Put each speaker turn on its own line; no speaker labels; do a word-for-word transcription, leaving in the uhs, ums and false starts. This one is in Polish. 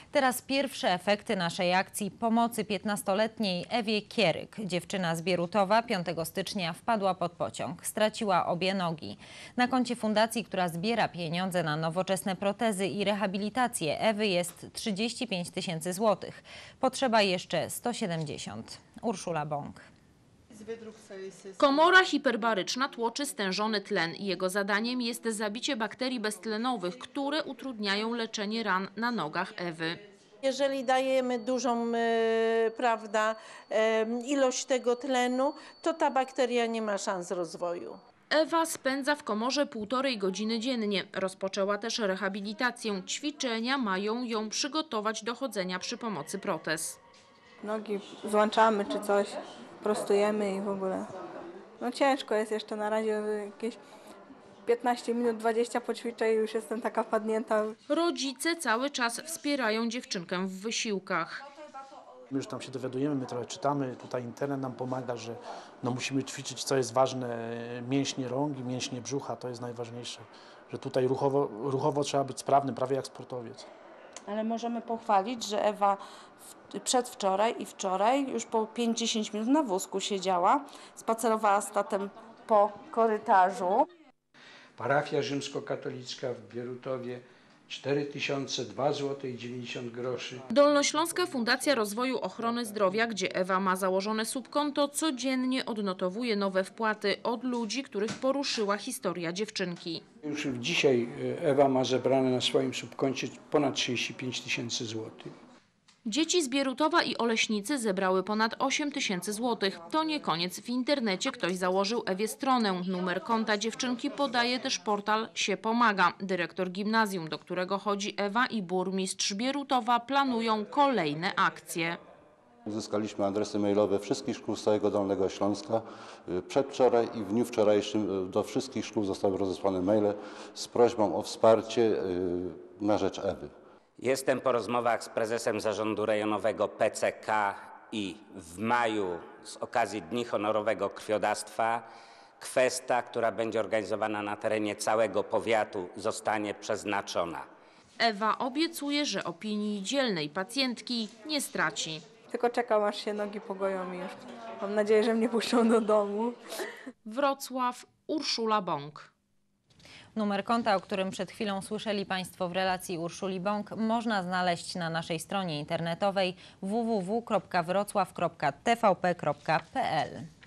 Teraz pierwsze efekty naszej akcji pomocy piętnastoletniej Ewie Kieryk. Dziewczyna z Bierutowa piątego stycznia wpadła pod pociąg. Straciła obie nogi. Na koncie fundacji, która zbiera pieniądze na nowoczesne protezy i rehabilitację Ewy, jest trzydzieści pięć tysięcy złotych. Potrzeba jeszcze sto siedemdziesiąt. Urszula Bąk.
Komora hiperbaryczna tłoczy stężony tlen. Jego zadaniem jest zabicie bakterii beztlenowych, które utrudniają leczenie ran na nogach Ewy.
Jeżeli dajemy dużą e, prawda, e, ilość tego tlenu, to ta bakteria nie ma szans rozwoju.
Ewa spędza w komorze półtorej godziny dziennie. Rozpoczęła też rehabilitację. Ćwiczenia mają ją przygotować do chodzenia przy pomocy protez.
Nogi złączamy czy coś, prostujemy i w ogóle. No ciężko jest jeszcze na razie, jakieś piętnaście minut, dwadzieścia poćwiczę i już jestem taka padnięta.
Rodzice cały czas wspierają dziewczynkę w wysiłkach.
My już tam się dowiadujemy, my trochę czytamy, tutaj internet nam pomaga, że no musimy ćwiczyć, co jest ważne, mięśnie rąk i mięśnie brzucha, to jest najważniejsze, że tutaj ruchowo, ruchowo trzeba być sprawnym, prawie jak sportowiec.
Ale możemy pochwalić, że Ewa przedwczoraj i wczoraj już po pięć do dziesięciu minut na wózku siedziała, spacerowała z tatem po korytarzu.
Parafia rzymskokatolicka w Bierutowie cztery tysiące dwa złote i dziewięćdziesiąt groszy.
Dolnośląska Fundacja Rozwoju Ochrony Zdrowia, gdzie Ewa ma założone subkonto, codziennie odnotowuje nowe wpłaty od ludzi, których poruszyła historia dziewczynki.
Już dzisiaj Ewa ma zebrane na swoim subkoncie ponad trzydzieści pięć tysięcy złotych.
Dzieci z Bierutowa i Oleśnicy zebrały ponad osiem tysięcy złotych. To nie koniec. W internecie ktoś założył Ewie stronę. Numer konta dziewczynki podaje też portal Sie Pomaga. Dyrektor gimnazjum, do którego chodzi Ewa, i burmistrz Bierutowa planują kolejne akcje.
Uzyskaliśmy adresy mailowe wszystkich szkół z całego Dolnego Śląska. Przedwczoraj i w dniu wczorajszym do wszystkich szkół zostały rozesłane maile z prośbą o wsparcie na rzecz Ewy.
Jestem po rozmowach z prezesem zarządu rejonowego P C K i w maju z okazji Dni Honorowego Krwiodawstwa kwesta, która będzie organizowana na terenie całego powiatu, zostanie przeznaczona.
Ewa obiecuje, że opinii dzielnej pacjentki nie straci.
Tylko czekam, aż się nogi pogoją i już mam nadzieję, że mnie puszczą do domu.
Wrocław, Urszula Bąk.
Numer konta, o którym przed chwilą słyszeli Państwo w relacji Urszuli Bąk, można znaleźć na naszej stronie internetowej w w w kropka wrocław kropka t v p kropka p l.